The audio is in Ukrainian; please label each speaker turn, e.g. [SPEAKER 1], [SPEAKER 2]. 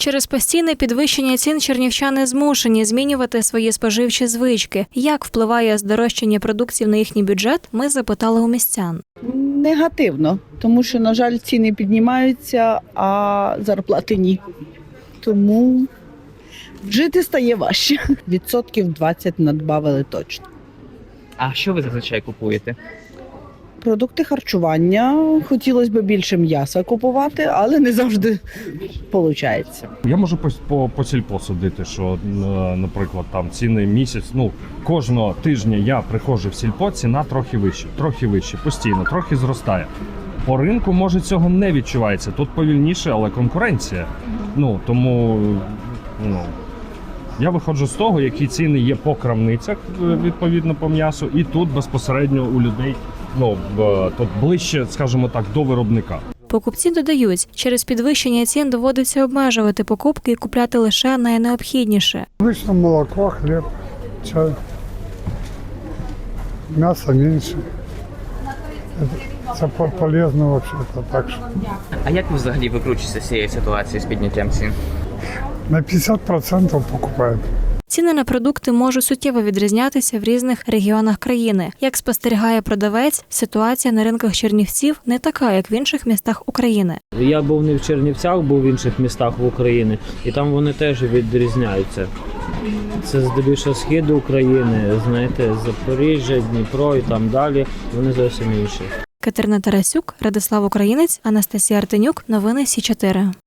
[SPEAKER 1] Через постійне підвищення цін чернівчани змушені змінювати свої споживчі звички. Як впливає здорожчання продуктів на їхній бюджет, ми запитали у містян.
[SPEAKER 2] Негативно, тому що, на жаль, ціни піднімаються, а зарплати ні. Тому жити стає важче. 20% надбавили точно.
[SPEAKER 3] А що ви зазвичай купуєте?
[SPEAKER 2] Продукти харчування. Хотілося б більше м'яса купувати, але не завжди виходить.
[SPEAKER 4] Я можу по сільпо судити, що, наприклад, там ціни місяць, кожного тижня я приходжу в сільпо, ціна трохи вище, постійно, трохи зростає. По ринку, може, цього не відчувається. Тут повільніше, але конкуренція. Тому я виходжу з того, які ціни є по крамницях, відповідно, по м'ясу, і тут безпосередньо у людей, тут ближче, скажімо так, до виробника.
[SPEAKER 1] Покупці додають, через підвищення цін доводиться обмежувати покупки і купляти лише найнеобхідніше.
[SPEAKER 5] Обычно молоко, хлеб, чай, мясо меньше. Это полезно вообще-то так что.
[SPEAKER 3] А як ви взагалі викручуєтеся з цієї ситуації з підняттям цін?
[SPEAKER 5] На 50% покупают.
[SPEAKER 1] Ціни на продукти можуть суттєво відрізнятися в різних регіонах країни. Як спостерігає продавець, ситуація на ринках Чернівців не така, як в інших містах України.
[SPEAKER 6] Я був не в Чернівцях, був в інших містах в Україні, і там вони теж відрізняються. Це здебільшого схід України, Запоріжжя, Дніпро і там далі, вони зовсім інші.
[SPEAKER 1] Катерина Тарасюк, Радислав Українець, Анастасія Артенюк. Новини Сі 4.